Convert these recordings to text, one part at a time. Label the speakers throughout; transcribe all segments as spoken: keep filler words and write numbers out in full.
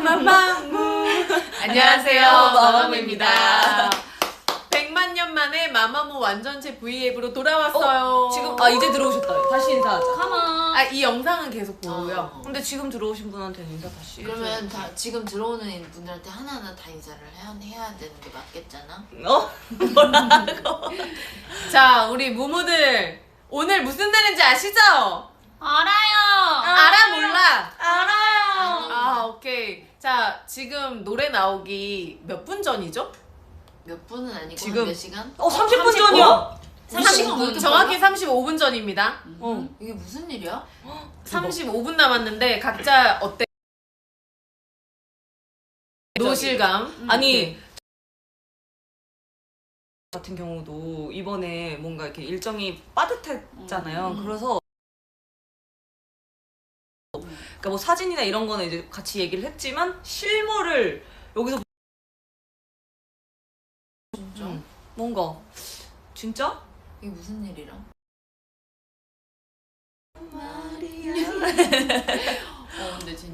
Speaker 1: 마마무. 안녕하세요, 마마무입니다. 백만 년 만에 마마무 완전체 브이앱으로 돌아왔어요.
Speaker 2: 어, 지금 아 이제 들어오셨다. 다시 인사하자.
Speaker 3: 가만.
Speaker 1: 아, 이 영상은 계속 보고요.
Speaker 3: 어.
Speaker 2: 근데 지금 들어오신 분한테 인사 다시.
Speaker 3: 그러면 다 지금 들어오는 분들한테 하나하나 다 인사를 해야, 해야 되는 게 맞겠잖아.
Speaker 2: 어? 뭐라고?
Speaker 1: 자, 우리 무무들 오늘 무슨 날인지 아시죠?
Speaker 3: 알아요.
Speaker 1: 알아 몰라?
Speaker 2: 알아요.
Speaker 1: 아, 오케이. 자, 지금 노래 나오기 몇 분 전이죠?
Speaker 3: 몇 분은 아니고
Speaker 2: 지금-
Speaker 3: 몇 시간?
Speaker 2: 어 삼십 분
Speaker 1: 삼십 분?
Speaker 2: 전이야?
Speaker 3: 삼십 분.
Speaker 1: 정확히 삼십오 분 전입니다.
Speaker 2: 어.
Speaker 3: 이게 무슨 일이야?
Speaker 1: 삼십오 분 남았는데 각자 어때? 노실감.
Speaker 2: 아니 같은 경우도 이번에 뭔가 이렇게 일정이 빠듯했잖아요.
Speaker 3: 음.
Speaker 2: 그래서 그러니까 뭐 사진이나 이런 거는 이제 같이 얘기를 했지만 실물을 여기서
Speaker 3: 진짜?
Speaker 2: 음, 뭔가 진짜?
Speaker 3: 이게 무슨 일이라? 어 근데 진짜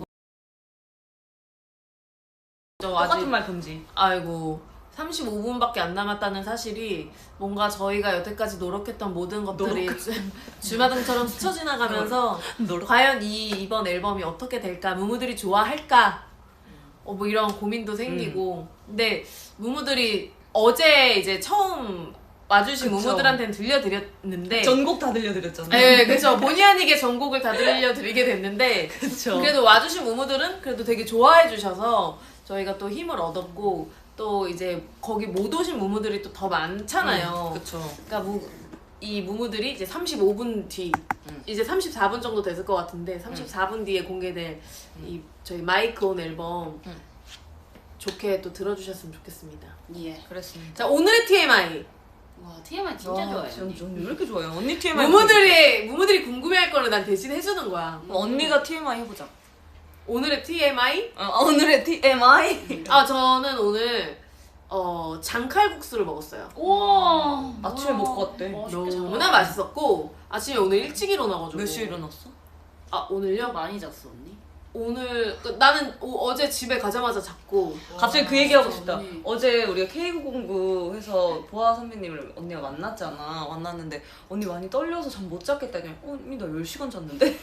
Speaker 1: 저
Speaker 2: 똑같은
Speaker 1: 아직
Speaker 2: 말 금지.
Speaker 1: 아이고 삼십오 분밖에 안 남았다는 사실이 뭔가 저희가 여태까지 노력했던 모든 것들이 주, 주마등처럼 스쳐 지나가면서
Speaker 2: 노력.
Speaker 1: 과연 이 이번 앨범이 어떻게 될까, 무무들이 좋아할까, 어, 뭐 이런 고민도 생기고. 근데 무무들이 어제 이제 처음 와주신
Speaker 2: 그쵸.
Speaker 1: 무무들한테는 들려드렸는데
Speaker 2: 전곡 다 들려드렸잖아요.
Speaker 1: 네, 그렇죠. 본의 아니게 전곡을 다 들려드리게 됐는데
Speaker 2: 그쵸.
Speaker 1: 그래도 와주신 무무들은 그래도 되게 좋아해 주셔서 저희가 또 힘을 얻었고, 또 이제 거기 못 오신 무무들이 또 더 많잖아요.
Speaker 2: 음, 그쵸.
Speaker 1: 그러니까 무, 이 무무들이 이제 삼십오 분 뒤,
Speaker 2: 음.
Speaker 1: 이제 삼십사 분 정도 됐을 것 같은데 삼십사 분 뒤에 공개될 이 저희 마이크 온 앨범
Speaker 2: 음.
Speaker 1: 좋게 또 들어주셨으면 좋겠습니다.
Speaker 3: 예.
Speaker 2: 그랬습니다.
Speaker 1: 자, 오늘의 티엠아이.
Speaker 3: 와 티엠아이 진짜
Speaker 2: 와,
Speaker 3: 좋아해.
Speaker 2: 전, 전 왜 이렇게 좋아해요? 언니 티엠아이.
Speaker 1: 무무들이 무무들이 궁금해할 거를 난 대신 해주는 거야.
Speaker 2: 어, 언니가 티엠아이 해보자.
Speaker 1: 오늘의 티엠아이?
Speaker 2: 어, 오늘의 티엠아이.
Speaker 1: 아, 저는 오늘 어 장칼국수를 먹었어요.
Speaker 3: 우와.
Speaker 2: 아침에 먹고 왔대.
Speaker 1: 너무나 맛있었고 아침에 오늘 일찍 일어나가지고.
Speaker 2: 몇 시에 일어났어?
Speaker 1: 아, 오늘요?
Speaker 3: 많이 잤어 언니?
Speaker 1: 오늘 그, 나는 오, 어제 집에 가자마자 잤고.
Speaker 2: 갑자기 그 얘기하고
Speaker 3: 진짜
Speaker 2: 싶다.
Speaker 3: 언니.
Speaker 2: 어제 우리가 케이 구십구 해서 보아 선배님을 언니가 만났잖아. 만났는데 언니 많이 떨려서 잠 못 잤겠다. 그냥 어, 언니 나 열 시간 잤는데?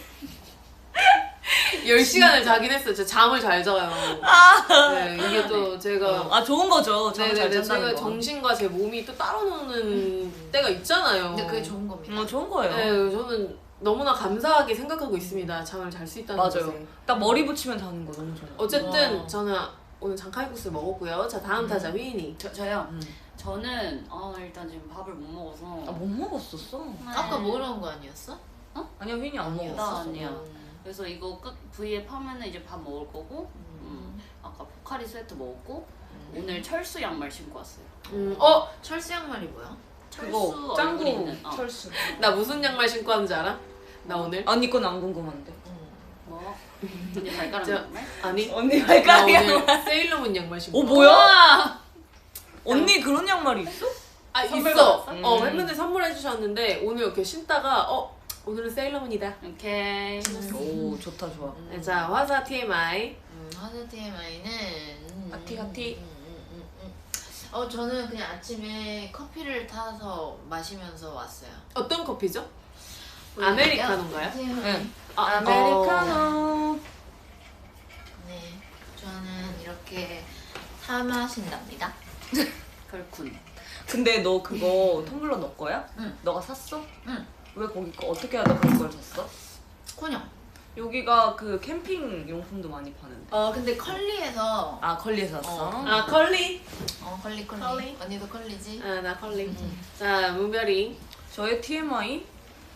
Speaker 1: 열 시간을 자긴 했어요. 제가 잠을 잘 자요. 네, 이게 또 제가
Speaker 2: 아 좋은 거죠. 잠을 잘
Speaker 1: 네네네,
Speaker 2: 잔다는
Speaker 1: 제가
Speaker 2: 거.
Speaker 1: 정신과 제 몸이 또 따로 노는 때가 있잖아요.
Speaker 3: 근데 그게 좋은 겁니다.
Speaker 2: 어, 좋은 거예요.
Speaker 1: 네, 저는 너무나 감사하게 생각하고 있습니다. 잠을 잘 수 있다는
Speaker 2: 맞아요.
Speaker 1: 것에.
Speaker 2: 딱 머리 붙이면 자는 거 너무 좋아.
Speaker 1: 어쨌든
Speaker 3: 와.
Speaker 1: 저는 오늘 장칼국수 먹었고요. 자, 다음 타자 휘인이.
Speaker 4: 저, 저요?
Speaker 2: 음.
Speaker 4: 저는 아 일단 지금 밥을 못 먹어서
Speaker 2: 아 못 먹었었어.
Speaker 4: 네.
Speaker 3: 아까 먹으러 온 거 아니었어?
Speaker 2: 아니야 휘인이 안
Speaker 3: 아니야.
Speaker 2: 먹었어.
Speaker 4: 나 아니야.
Speaker 3: 음.
Speaker 4: 그래서 이거 끝 V앱 하면은 이제 밥 먹을 거고 음, 아까 포카리 스웨트 먹었고 오늘 철수 양말 신고 왔어요.
Speaker 1: 음, 어?
Speaker 3: 철수 양말이 뭐야?
Speaker 2: 그거
Speaker 4: 철수
Speaker 2: 짱구
Speaker 4: 얼굴 있는, 어.
Speaker 2: 철수.
Speaker 1: 나 무슨 양말 신고 왔는지 알아? 나 오늘?
Speaker 2: 언니 건 안 궁금한데.
Speaker 4: 뭐? 언니 발가락
Speaker 1: 저-
Speaker 4: 양말?
Speaker 1: 아니,
Speaker 2: 언니
Speaker 1: 나
Speaker 2: 발가락이
Speaker 1: 오늘 세일러문 양말 신고
Speaker 2: 어
Speaker 1: 왔어.
Speaker 2: 뭐야? 언니 그런 양말이 있어?
Speaker 1: 아,
Speaker 4: 선물
Speaker 1: 있어.
Speaker 4: 받았어?
Speaker 1: 어,
Speaker 2: 음.
Speaker 1: 팬분들 선물해 주셨는데 오늘 이렇게 신다가 어? 오늘은 세일러문이다.
Speaker 4: 오케이.
Speaker 2: 오 좋다 좋아.
Speaker 1: 네, 자, 화사 티엠아이.
Speaker 3: 음, 하드 티엠아이는 음,
Speaker 2: 하티, 하티.
Speaker 3: 음, 음, 음, 음. 어 저는 그냥 아침에 커피를 타서 마시면서 왔어요.
Speaker 1: 어떤 커피죠? 아메리카노인가요?
Speaker 2: 응.
Speaker 1: 아,
Speaker 2: 아메리카노.
Speaker 3: 네, 저는 이렇게 사 마신답니다.
Speaker 4: 그렇군.
Speaker 2: 근데 너 그거 텀블러 너 거야?
Speaker 3: 응.
Speaker 2: 너가 샀어?
Speaker 3: 응.
Speaker 2: 왜 거기 거 어떻게 하다 그런 걸 샀어?
Speaker 3: 코녕.
Speaker 2: 여기가 그 캠핑 용품도 많이 파는데.
Speaker 3: 어 근데 컬리에서
Speaker 2: 아 컬리에서 샀어?
Speaker 3: 어.
Speaker 1: 아, 컬리.
Speaker 3: 어 컬리 컬리.
Speaker 1: 컬리.
Speaker 3: 언니도 컬리지?
Speaker 1: 아, 나 컬리.
Speaker 3: 음.
Speaker 1: 자, 문별이.
Speaker 2: 저의 티엠아이?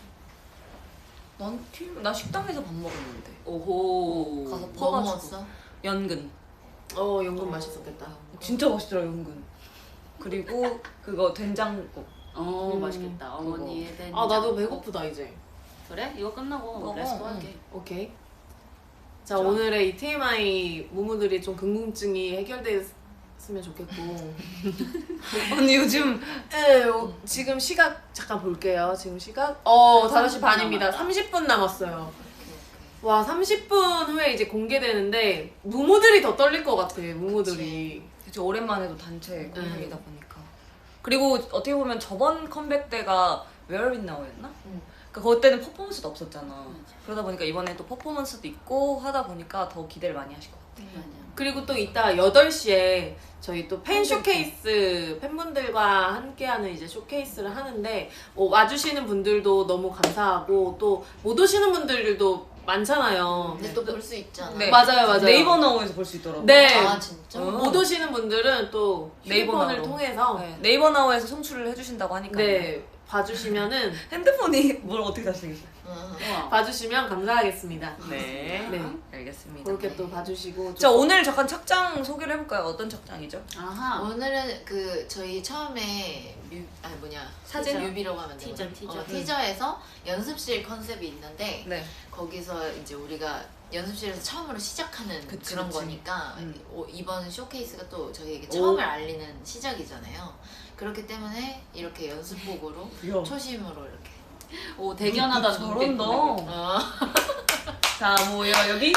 Speaker 2: 난 티엠아이 나 식당에서 밥 먹었는데
Speaker 1: 오호.
Speaker 2: 가서
Speaker 3: 뭐
Speaker 2: 퍼가지고
Speaker 3: 먹었어?
Speaker 2: 연근
Speaker 1: 어, 연근 맛있었겠다.
Speaker 2: 진짜 맛있더라 연근. 그리고 그거 된장국.
Speaker 4: 어
Speaker 1: 음,
Speaker 4: 맛있겠다. 어머니의 된.
Speaker 1: 아, 나도 배고프다 이제.
Speaker 4: 그래? 이거 끝나고
Speaker 2: 먹어.
Speaker 4: 레스토
Speaker 2: 응.
Speaker 4: 할게.
Speaker 1: 오케이. 자, 오늘의 이 티엠아이 무무들이 좀 궁금증이 해결됐으면 좋겠고.
Speaker 2: 언니 요즘
Speaker 1: 네, 어, 지금 시각 잠깐 볼게요. 지금 시각 어 다섯 시 반입니다. 삼십 분 남았어요. 와 삼십 분 후에 이제 공개되는데 무무들이 더 떨릴 것 같아. 무무들이.
Speaker 2: 그치, 오랜만에도 단체
Speaker 1: 음.
Speaker 2: 컴백이다 보니까. 그리고 어떻게 보면 저번 컴백 때가 Where It Now였나?
Speaker 3: 음.
Speaker 2: 그러니까 그때는 퍼포먼스도 없었잖아. 그러다 보니까 이번에 또 퍼포먼스도 있고 하다 보니까 더 기대를 많이 하실 것 같아.
Speaker 3: 맞아.
Speaker 1: 그리고 또 이따 여덟 시에 저희 또 팬 쇼케이스 팬분들과 함께하는 이제 쇼케이스를 하는데 어, 와주시는 분들도 너무 감사하고 또 못 오시는 분들도 많잖아요.
Speaker 3: 근데 또 볼 수 있잖아.
Speaker 2: 네.
Speaker 1: 맞아요, 맞아요.
Speaker 2: 네이버 나우에서 볼 수 있더라고.
Speaker 1: 네.
Speaker 3: 아 진짜?
Speaker 2: 어.
Speaker 1: 못 오시는 분들은 또
Speaker 2: 네이버
Speaker 1: 휴대폰을
Speaker 2: 나우로.
Speaker 1: 통해서
Speaker 2: 네. 네이버 나우에서 송출을 해주신다고 하니까.
Speaker 1: 네 봐주시면은
Speaker 2: 핸드폰이 뭘 어떻게 다시 생겼어?
Speaker 3: 응.
Speaker 4: 우와.
Speaker 1: 봐주시면 감사하겠습니다.
Speaker 2: 네.
Speaker 1: 네
Speaker 2: 알겠습니다.
Speaker 1: 그렇게 또 봐주시고
Speaker 2: 자, 오늘 잠깐 착장 소개를 해볼까요? 어떤 착장이죠?
Speaker 4: 아하.
Speaker 3: 오늘은 그 저희 처음에 뮤, 아니 뭐냐
Speaker 2: 사진?
Speaker 3: 사진 뮤비라고 하면 되나?
Speaker 4: 티저, 티저.
Speaker 3: 어, 티저에서 연습실 컨셉이 있는데
Speaker 2: 네.
Speaker 3: 거기서 이제 우리가 연습실에서 처음으로 시작하는
Speaker 2: 그치,
Speaker 3: 그런
Speaker 2: 그치.
Speaker 3: 거니까
Speaker 2: 음.
Speaker 3: 오, 이번 쇼케이스가 또 저희에게
Speaker 2: 오.
Speaker 3: 처음을 알리는 시작이잖아요. 그렇기 때문에 이렇게 연습복으로
Speaker 2: 이야.
Speaker 3: 초심으로 이렇게
Speaker 4: 오 대견하다
Speaker 2: 잘한다.
Speaker 3: 어.
Speaker 2: 자, 뭐야 여기?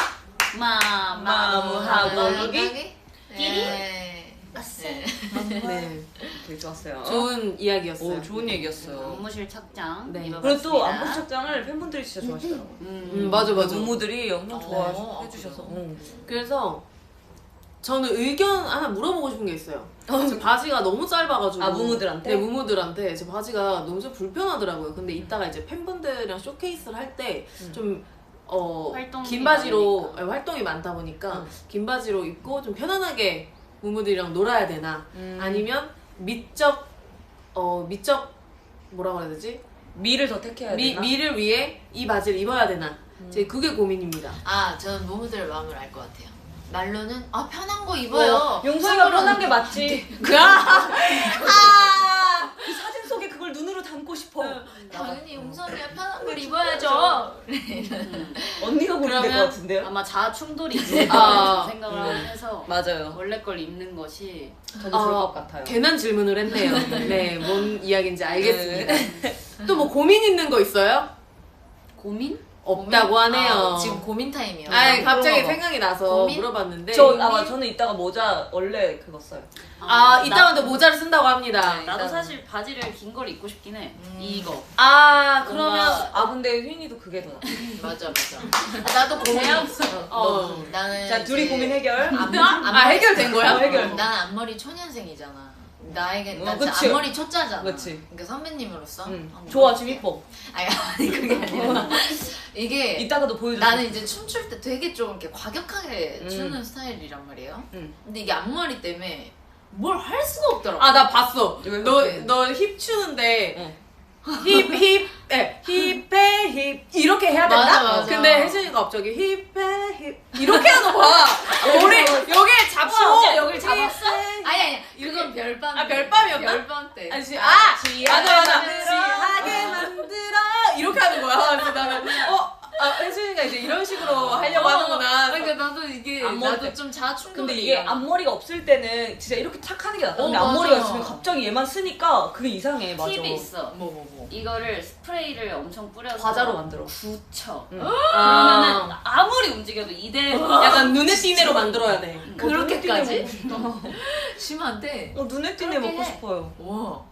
Speaker 4: 마마무하고
Speaker 2: 하고 여기?
Speaker 3: 끼리?
Speaker 4: 끼리?
Speaker 3: 네. 네.
Speaker 1: 네
Speaker 2: 되게 좋았어요.
Speaker 1: 좋은 이야기였어요.
Speaker 2: 오, 좋은 얘기였어요.
Speaker 4: 업무실 착장
Speaker 1: 네.
Speaker 4: 입어봤습니다.
Speaker 2: 그리고 또 안무 착장을 팬분들이 진짜 좋아하시더라고요.
Speaker 4: 음,
Speaker 1: 음 맞아 맞아.
Speaker 2: 무무들이 엄청
Speaker 3: 어,
Speaker 2: 좋아해 주셔서.
Speaker 3: 그래요?
Speaker 1: 그래서 저는 의견 하나 물어보고 싶은 게 있어요. 제 바지가 너무 짧아가지고.
Speaker 2: 아, 무무들한테?
Speaker 1: 네, 무무들한테 제 바지가 너무 좀 불편하더라고요. 근데 이따가 이제 팬분들이랑 쇼케이스를 할 때 좀 어,
Speaker 4: 활동이
Speaker 1: 긴 바지로
Speaker 4: 많으니까.
Speaker 1: 아니, 활동이 많다 보니까
Speaker 2: 응.
Speaker 1: 긴 바지로 입고 좀 편안하게 무무들이랑 놀아야 되나
Speaker 2: 음.
Speaker 1: 아니면 미적 어 미적 뭐라고 해야 되지?
Speaker 2: 미를 더 택해야
Speaker 1: 미,
Speaker 2: 되나?
Speaker 1: 미를 위해 이 바지를 입어야 되나? 제 그게 고민입니다.
Speaker 3: 아, 저는 무무들의 마음을 알 것 같아요. 말로는 아 편한 거 입어요.
Speaker 2: 어, 용서이가
Speaker 3: 속으로는
Speaker 2: 편한 게 맞지.
Speaker 1: 아!
Speaker 2: 그 사진 속에 그걸 눈으로 담고 싶어.
Speaker 3: 당연히 용선이가 편한 걸 입어야죠.
Speaker 2: 언니가 고르면 될 것
Speaker 1: 그러면
Speaker 2: 같은데요?
Speaker 4: 아마 자아 충돌이 있을
Speaker 1: 아.
Speaker 4: 생각을 해서
Speaker 2: 맞아요.
Speaker 4: 원래 걸 입는 것이
Speaker 2: 저도 그럴
Speaker 1: 어,
Speaker 2: 것 같아요.
Speaker 1: 괜한 질문을 했네요. 네, 뭔 이야기인지 알겠습니다. 또 뭐 고민 있는 거 있어요?
Speaker 4: 고민?
Speaker 1: 없다고 하네요.
Speaker 3: 아, 지금 고민 타임이요.
Speaker 1: 아니, 갑자기
Speaker 2: 그런가 봐.
Speaker 1: 생각이 나서
Speaker 3: 고민?
Speaker 1: 물어봤는데.
Speaker 2: 저 아마 저는 이따가 모자 원래 그거 써요.
Speaker 1: 아, 이따가도 모자를 쓴다고 합니다.
Speaker 2: 네.
Speaker 4: 나도
Speaker 2: 일단-
Speaker 4: 사실 바지를 긴 걸 입고 싶긴 해.
Speaker 3: 음.
Speaker 4: 이거.
Speaker 1: 아, 그러면.
Speaker 4: 뭔가-
Speaker 2: 아 근데 휘인이도 그게 더 나.
Speaker 3: 맞아 맞아. 아, 나도 고민 없어.
Speaker 1: 어.
Speaker 3: 나는
Speaker 2: 자 둘이
Speaker 3: 이제
Speaker 2: 고민 해결.
Speaker 3: 앞,
Speaker 1: 아, 해결된 거야?
Speaker 2: 어, 해결.
Speaker 3: 나는 앞머리 초년생이잖아. 나에게
Speaker 2: 어,
Speaker 3: 나 진짜
Speaker 2: 그치.
Speaker 3: 앞머리 초짜잖아.
Speaker 2: 그치.
Speaker 3: 그러니까 선배님으로서
Speaker 2: 응.
Speaker 3: 한번
Speaker 2: 좋아
Speaker 3: 해볼게.
Speaker 2: 지금 이뻐.
Speaker 3: 아니 아니 그게 아니라 이게
Speaker 2: 이따가도 보여줘.
Speaker 3: 나는 이제 춤출 때 되게 좀 이렇게 과격하게
Speaker 2: 음.
Speaker 3: 추는 스타일이란 말이에요.
Speaker 2: 응.
Speaker 3: 근데 이게 앞머리 때문에 뭘 할 수가 없더라고.
Speaker 1: 아, 나 봤어.
Speaker 2: 왜
Speaker 1: 너,
Speaker 2: 그렇게?
Speaker 1: 너 힙 추는데.
Speaker 2: 응.
Speaker 1: 힙, 힙, 에, 힙에 힙. 이렇게 해야 된다?
Speaker 3: 맞아, 맞아.
Speaker 1: 근데 혜진이가 갑자기 힙에 힙. 이렇게 하는 거야. 머리, 여기에 잡고.
Speaker 3: 진짜 여길 잡았어?
Speaker 1: 힙에 힙.
Speaker 3: 아니 아니 그건 별밤.
Speaker 1: 아, 별밤이었나?
Speaker 3: 별밤 때.
Speaker 1: 아니, 지- 아! 맞아, 맞아.
Speaker 3: 만들어.
Speaker 1: 지하게 만들어. 이렇게 하는 거야. 그래서 나는, 어? 아, 혜진이가 이제 이런 식으로 하려고 하는구나.
Speaker 3: 그러니까 나도 이게
Speaker 2: 앞머리
Speaker 3: 나도
Speaker 2: 때.
Speaker 3: 좀 자충돌이.
Speaker 2: 근데 이게 앞머리가 없을 때는 진짜 이렇게 착 하는 게 낫다. 근데
Speaker 3: 어,
Speaker 2: 앞머리가
Speaker 3: 맞아.
Speaker 2: 있으면 갑자기 얘만 쓰니까 그게 이상해. 맞아.
Speaker 4: 팁이 있어.
Speaker 3: 뭐 뭐 뭐.
Speaker 4: 이거를 스프레이를 엄청 뿌려서
Speaker 2: 과자로 만들어.
Speaker 4: 굳혀.
Speaker 2: 응.
Speaker 4: 그러면은
Speaker 1: 아,
Speaker 4: 아무리 움직여도 이대로
Speaker 1: 약간 눈에 띄네로 만들어야 돼.
Speaker 3: 그렇게까지?
Speaker 2: 어,
Speaker 3: 심한데.
Speaker 2: 어, 눈에 띄네
Speaker 3: 그렇게
Speaker 2: 먹고
Speaker 3: 해.
Speaker 2: 싶어요.
Speaker 3: 와.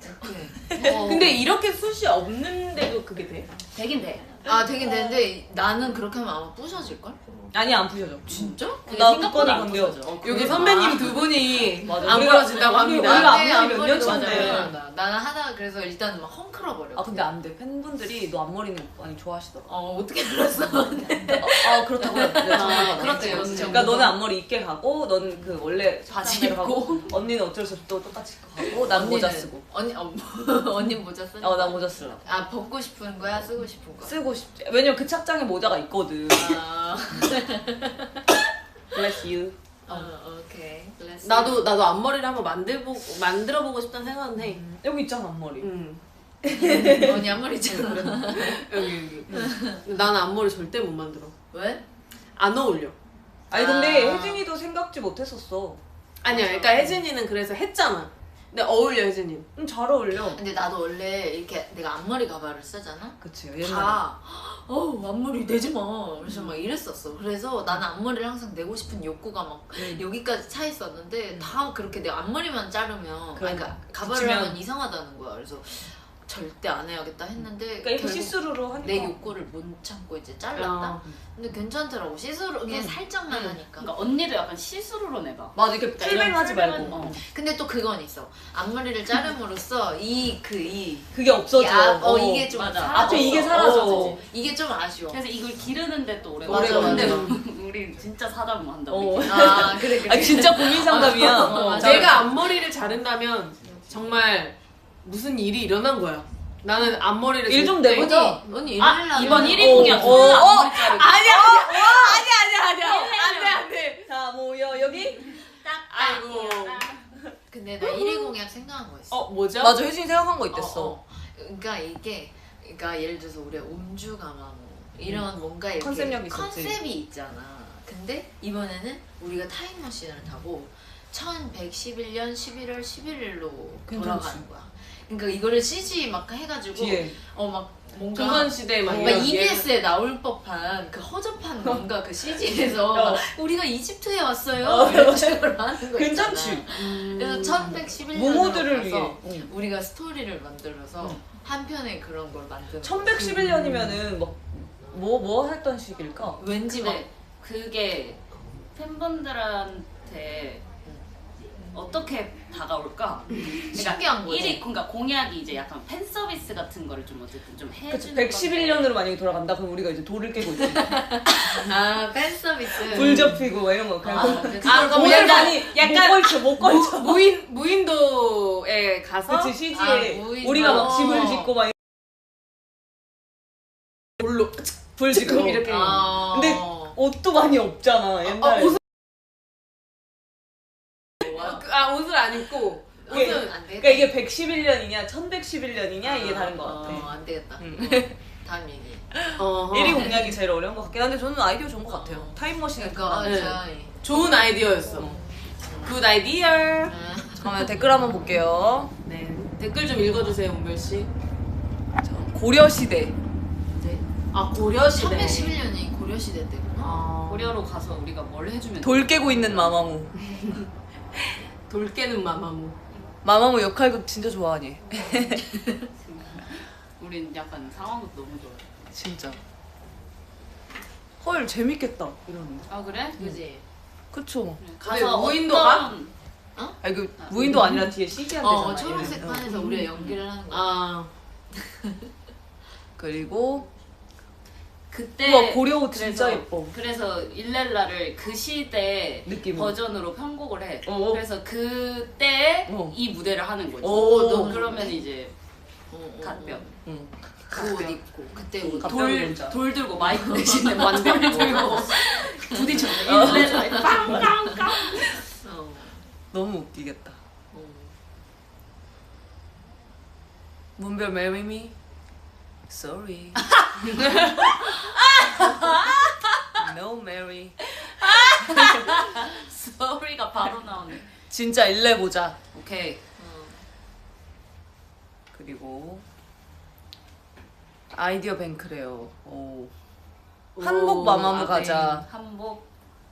Speaker 3: 오케이.
Speaker 1: 근데 이렇게 숱이 없는데도 그게 돼?
Speaker 4: 되긴 돼.
Speaker 3: 아 되긴 되는데 나는 그렇게 하면 아마 부셔질 걸?
Speaker 2: 아니 안 부셔져.
Speaker 3: 진짜?
Speaker 2: 나
Speaker 4: 생각보다
Speaker 2: 그거는
Speaker 4: 안
Speaker 2: 건데요.
Speaker 4: 부서져.
Speaker 1: 여기 선배님 두 분이
Speaker 2: 맞아.
Speaker 1: 안
Speaker 2: 우리가-
Speaker 1: 부러진다고
Speaker 2: 우리-
Speaker 1: 합니다.
Speaker 2: 우리가
Speaker 3: 네,
Speaker 2: 앞머리 몇년
Speaker 3: 앞머리도 맞아,
Speaker 2: 차인데.
Speaker 3: 불안하다. 나는 하다가 그래서 일단 막 헝클어 버려.
Speaker 2: 아 근데 안 돼. 팬분들이 너 앞머리는 많이 좋아하시더라.
Speaker 3: 어 어떻게 알았어?
Speaker 2: 아 그렇다고 해. 네, 정말
Speaker 3: 그렇지,
Speaker 2: 맞아요.
Speaker 3: 그렇지.
Speaker 2: 그러니까 너는 앞머리 있게 가고, 너는 그 원래
Speaker 3: 바지
Speaker 2: 착장대로
Speaker 3: 입고.
Speaker 2: 가고, 언니는 어쩔 수 없이 또 똑같이 가고, 난 모자
Speaker 3: 언니는-
Speaker 2: 쓰고.
Speaker 3: 언니 어, 언니 모자 쓰?
Speaker 2: 어, 난 모자 쓰려고.
Speaker 3: 아 벗고 싶은 거야, 쓰고 싶은 거야?
Speaker 2: 쓰고 싶지. 왜냐면 그 착장에 모자가 있거든.
Speaker 3: 아,
Speaker 2: Bless you.
Speaker 3: 어, 오케이. Bless
Speaker 1: 나도 나도 앞머리를 한번 만들고 만들어 보고 싶다는 생각은 해.
Speaker 2: 여기 있잖아 앞머리.
Speaker 1: 음.
Speaker 3: you. 언니 앞머리 있잖아.
Speaker 1: 여기 여기. 나는 앞머리 절대 못 만들어.
Speaker 3: 왜?
Speaker 1: 안 어울려.
Speaker 2: 아니 근데
Speaker 3: 아.
Speaker 2: 혜진이도 생각지 못했었어.
Speaker 1: 아니야. 그러니까 혜진이는 그래서 했잖아. 근데 어울려 혜진님.
Speaker 2: 음, 잘 어울려.
Speaker 3: 근데 나도 원래 이렇게 내가 앞머리 가발을 쓰잖아.
Speaker 2: 그치 옛날에.
Speaker 3: 다 어우 앞머리 내지 마. 그래서 막 이랬었어. 그래서 나는 앞머리를 항상 내고 싶은 욕구가 막
Speaker 2: 음.
Speaker 3: 여기까지 차 있었는데 다 그렇게 내 앞머리만 자르면
Speaker 2: 그래,
Speaker 3: 그러니까 가발을
Speaker 2: 그치면-
Speaker 3: 하면 이상하다는 거야. 그래서 절대 안 해야겠다 했는데
Speaker 2: 그러니까 이거
Speaker 3: 결국
Speaker 2: 시스루로 하니까.
Speaker 3: 내 욕구를 못 참고 이제 잘랐다.
Speaker 1: 어.
Speaker 3: 근데 괜찮더라고. 시스루 그냥
Speaker 2: 음.
Speaker 3: 살짝만 하니까.
Speaker 4: 그러니까 언니도 약간 시스루로 내봐.
Speaker 2: 맞아 이렇게
Speaker 4: 그러니까
Speaker 2: 풀뱅하지
Speaker 4: 이런
Speaker 2: 말고.
Speaker 4: 풀뱅은, 어.
Speaker 3: 근데 또 그건 있어. 앞머리를 자름으로써 이 그 이
Speaker 2: 그게 없어져.
Speaker 3: 야, 어, 이게 좀
Speaker 4: 맞아.
Speaker 3: 사라졌어.
Speaker 2: 앞에 이게 사라져.
Speaker 3: 어, 이게 좀 아쉬워.
Speaker 4: 그래서 이걸 기르는데 또 오래
Speaker 3: 맞아,
Speaker 4: 걸려. 근데
Speaker 3: 맞아.
Speaker 4: 우리 진짜 사담 한다.
Speaker 2: 어.
Speaker 4: 우리.
Speaker 3: 아 그래 그래.
Speaker 2: 아 진짜 고민 상담이야.
Speaker 3: 어, 맞아.
Speaker 1: 내가 앞머리를 자른다면 정말 무슨 일이 일어난 거야. 나는 앞머리를
Speaker 2: 일 좀
Speaker 1: 잘 때-
Speaker 2: 내보자.
Speaker 3: 언니 언니 일을
Speaker 4: 아
Speaker 3: 하려면
Speaker 4: 이번 일 위 공약
Speaker 2: 어,
Speaker 4: 졸라
Speaker 2: 어,
Speaker 4: 앞머리 자르기.
Speaker 1: 아니야 아니야 아니야 아니야 아니야 안돼 안돼.
Speaker 2: 자 모여 여기.
Speaker 1: 아이고.
Speaker 3: 근데 나 일 위 공약 생각한 거 있어.
Speaker 1: 어 뭐죠?
Speaker 2: 맞아 혜진이 생각한 거 있댔어.
Speaker 3: 어, 어. 그러니까 이게 그러니까 예를 들어서 우리 옴주가마모 이런 뭔가 이렇게
Speaker 2: 컨셉력이 있었지.
Speaker 3: 컨셉이 있잖아. 근데 이번에는 우리가 타임머신을 타고 천백십일 년 십일월 십일일로
Speaker 2: 괜찮지.
Speaker 3: 돌아가는 거야. 그러니까 이거를 씨지 막 해가지고
Speaker 2: 뒤에.
Speaker 3: 어 막 뭔가
Speaker 1: 조선시대 막
Speaker 3: 뭔가
Speaker 1: 이런
Speaker 3: 이비에스에 나올 법한 그 허접한 뭔가 그 씨지에서
Speaker 2: 어.
Speaker 3: 우리가 이집트에 왔어요
Speaker 2: 어,
Speaker 3: 이런 식으로 하는 거
Speaker 2: 괜찮지.
Speaker 3: 있잖아.
Speaker 1: 음.
Speaker 3: 그래서 천백십일
Speaker 2: 모모들을
Speaker 3: 년으로
Speaker 2: 위해.
Speaker 3: 가서
Speaker 2: 응.
Speaker 3: 우리가 스토리를 만들어서
Speaker 2: 응.
Speaker 3: 한 편의 그런 걸 만드는
Speaker 2: 천백십일 년이면은 막 뭐 뭐 했던 시기일까?
Speaker 3: 거야. 왠지 막
Speaker 4: 근데 그게 팬분들한테 어떻게 다가올까? 그러니까
Speaker 3: 신기한 거지.
Speaker 4: 일이 그러니까 공약이 이제 약간 팬 서비스 같은 거를 좀 어쨌든 좀
Speaker 2: 그치,
Speaker 4: 해주는
Speaker 2: 백십일 년으로 만약에 돌아간다 그럼 우리가 이제 돌을 깨고 있지.
Speaker 3: 아 팬서비스
Speaker 2: 불 접히고 막 이런 거 그냥
Speaker 3: 아,
Speaker 2: 아,
Speaker 3: 그치.
Speaker 1: 아, 그럼
Speaker 2: 오늘
Speaker 1: 약간-
Speaker 2: 많이
Speaker 1: 약간-
Speaker 2: 못 걸쳐 못 걸쳐.
Speaker 1: 무, 무인 무인도에 가서
Speaker 2: 그치 씨지에
Speaker 3: 아, 무인-
Speaker 2: 우리가 막
Speaker 3: 어.
Speaker 2: 집을 짓고 막
Speaker 1: 물로
Speaker 2: 불 짓고
Speaker 1: 이렇게.
Speaker 3: 아.
Speaker 2: 근데 옷도 많이 없잖아 옛날에.
Speaker 1: 어, 옷을 아 옷을 안 입고
Speaker 2: 이게-
Speaker 1: 옷은
Speaker 3: 안 되겠다.
Speaker 2: 그러니까 이게 백십일 년이냐 천백십일 년이냐 이게 다른 것
Speaker 3: 어,
Speaker 2: 같아.
Speaker 3: 안 되겠다.
Speaker 2: 응.
Speaker 3: 어, 다음 얘기.
Speaker 1: 어허.
Speaker 2: 일 위 공략이 제일 어려운 것 같긴 한데 저는 아이디어 좋은 것 같아요. 타임머신을
Speaker 3: 그러니까
Speaker 1: 네.
Speaker 3: 진짜
Speaker 1: 좋은 아이디어였어. 굿 아이디어.
Speaker 3: 아,
Speaker 2: 잠깐만 댓글 한번 볼게요.
Speaker 1: 네 댓글 좀 읽어주세요 은별 씨.
Speaker 2: 자, 고려 시대.
Speaker 3: 네.
Speaker 1: 아 고려 시대.
Speaker 3: 천백십일 년이 고려 시대 때구나.
Speaker 1: 아,
Speaker 4: 고려로 가서 우리가 뭘 해주면
Speaker 2: 돌 깨고 있는 마마무.
Speaker 1: 돌 깨는 마마무.
Speaker 2: 마마무 역할극 진짜 좋아하니?
Speaker 4: 우린 약간 상황도 너무 좋아.
Speaker 2: 진짜. 헐 재밌겠다 이러는.
Speaker 4: 아 그래?
Speaker 3: 그지?
Speaker 2: 그쵸.
Speaker 4: 가서
Speaker 1: 무인도가?
Speaker 4: 어떤
Speaker 2: 아 이거 무인도 아니라 뒤에 씨지한
Speaker 3: 어
Speaker 2: 데잖아.
Speaker 3: 초록색
Speaker 2: 얘는.
Speaker 3: 판에서
Speaker 2: 응.
Speaker 3: 우리가 연기를 하는 거야.
Speaker 1: 아
Speaker 2: 그리고
Speaker 4: 그때
Speaker 2: 우와 고려 옷
Speaker 4: 그래서-
Speaker 2: 진짜 예뻐.
Speaker 4: 그래서 일렐라를 그 시대
Speaker 2: 느낌.
Speaker 4: 버전으로 편곡을 해.
Speaker 2: 어.
Speaker 4: 그래서 그때
Speaker 2: 어.
Speaker 4: 이 무대를 하는 거지.
Speaker 2: 오,
Speaker 3: 너무
Speaker 4: 그러면
Speaker 3: 좋네.
Speaker 4: 이제
Speaker 3: 어, 어, 어.
Speaker 4: 갓병.
Speaker 2: 응.
Speaker 3: 그 옷 입고 그때 옷.
Speaker 2: 갓병
Speaker 4: 돌,
Speaker 2: 문자.
Speaker 4: 돌 들고 마이크 대신에 완벽 들고 부딪혀. 일렐라 빵빵빵.
Speaker 3: 어.
Speaker 2: 너무 웃기겠다.
Speaker 3: 어.
Speaker 2: 문별 marry me? Sorry. No Mary.
Speaker 4: 소리가 바로 나오네.
Speaker 2: 진짜 일래 보자.
Speaker 4: 오케이.
Speaker 3: 어.
Speaker 2: 그리고 아이디어 뱅크래요. 오. 한복 마마무
Speaker 4: 아,
Speaker 2: 가자.
Speaker 4: 네. 한복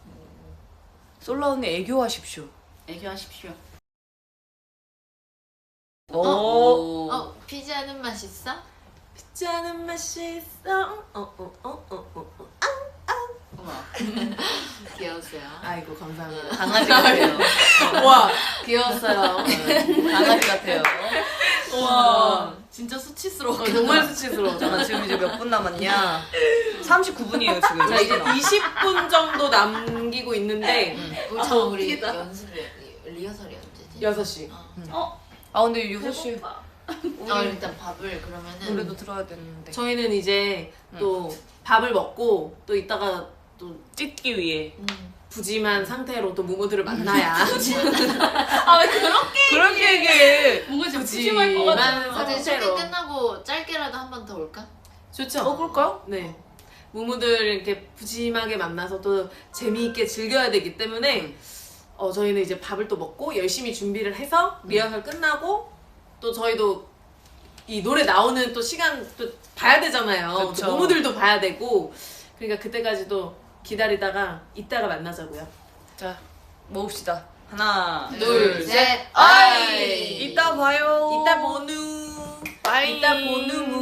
Speaker 2: 솔라 언니 애교하십시오.
Speaker 4: 애교하십시오.
Speaker 2: 오.
Speaker 4: 오.
Speaker 3: 어 피자는 맛있어?
Speaker 1: 짜는 맛이 있어. 어어어어어.
Speaker 4: 우와.
Speaker 3: 귀여웠어요.
Speaker 1: 아이고 감사합니다.
Speaker 2: 강아지 같아요.
Speaker 1: 와 귀여웠어요.
Speaker 2: 강아지 같아요.
Speaker 1: 와
Speaker 4: 진짜 수치스러워.
Speaker 1: 어, 정말 수치스러워.
Speaker 2: 잠깐 지금 이제 몇 분 남았냐? 삼십구 분이에요 지금.
Speaker 1: 자 이제 이십 분 정도 남기고 있는데
Speaker 3: 우리 참 우리
Speaker 1: 웃기다.
Speaker 3: 연습 리허설이 언제지?
Speaker 1: 여섯 시.
Speaker 3: 어.
Speaker 4: 어?
Speaker 2: 아 근데 여섯 시
Speaker 4: 배고파.
Speaker 3: 어 일단 밥을 그러면은
Speaker 2: 노래도 들어야 되는데.
Speaker 1: 저희는 이제 또 밥을 먹고 또 이따가 또
Speaker 2: 찢기 위해.
Speaker 3: 음.
Speaker 1: 부짐한 상태로 또 무모들을 만나야
Speaker 4: 아 왜 그렇게
Speaker 2: 그렇게 얘기해.
Speaker 4: 뭔가 좀
Speaker 1: 굳이
Speaker 4: 푸짐할 것 같아.
Speaker 1: 만-
Speaker 3: 어제
Speaker 1: 상태로.
Speaker 3: 쇼핑 끝나고 짧게라도 한 번 더 올까?
Speaker 1: 좋죠.
Speaker 2: 어 그럴까요?
Speaker 1: 네. 무모들 이렇게 부짐하게 만나서 또 재미있게 즐겨야 되기 때문에
Speaker 2: 음.
Speaker 1: 어, 저희는 이제 밥을 또 먹고 열심히 준비를 해서 리허설 끝나고 또 저희도 이 노래 나오는 또 시간 또 봐야 되잖아요.
Speaker 2: 그쵸.
Speaker 1: 또 모모들도 봐야 되고 그러니까 그때까지도 기다리다가 이따가 만나자고요.
Speaker 2: 자, 모읍시다. 하나,
Speaker 3: 둘, 셋,
Speaker 2: 아이!
Speaker 3: 아이!
Speaker 2: 이따 봐요.
Speaker 1: 이따 보누.
Speaker 2: 빠이.
Speaker 1: 이따 보누.